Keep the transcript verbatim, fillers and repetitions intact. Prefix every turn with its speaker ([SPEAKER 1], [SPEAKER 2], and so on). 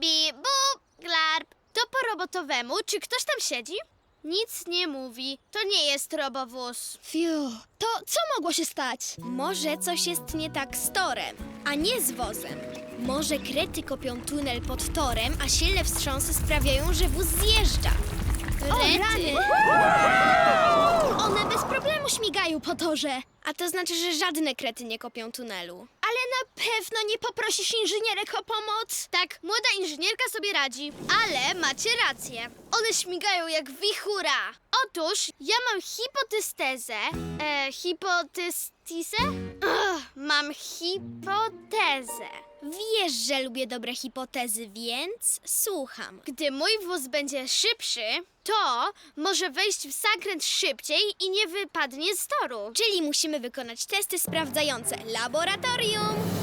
[SPEAKER 1] Bi, bu, glarb. To po robotowemu. Czy ktoś tam siedzi? Nic nie mówi. To nie jest robowóz.
[SPEAKER 2] Fiu, to co mogło się stać? Może coś jest nie tak z torem, a nie z wozem. Może krety kopią tunel pod torem, a silne wstrząsy sprawiają, że wóz zjeżdża.
[SPEAKER 1] Rety.
[SPEAKER 2] One bez problemu śmigają po torze. A to znaczy, że żadne krety nie kopią tunelu.
[SPEAKER 1] Ale na pewno nie poprosisz inżynierek o pomoc. Tak, młoda inżynierka sobie radzi. Ale macie rację. One śmigają jak wichura. Otóż ja mam hipotystezę. E, hipotystizę? Ugh, mam hipotezę.
[SPEAKER 2] Wiesz, że lubię dobre hipotezy, więc słucham.
[SPEAKER 1] Gdy mój wóz będzie szybszy, to może wejść w zakręt szybciej i nie wypadnie z toru.
[SPEAKER 2] Czyli musimy wykonać testy sprawdzające. Laboratorium!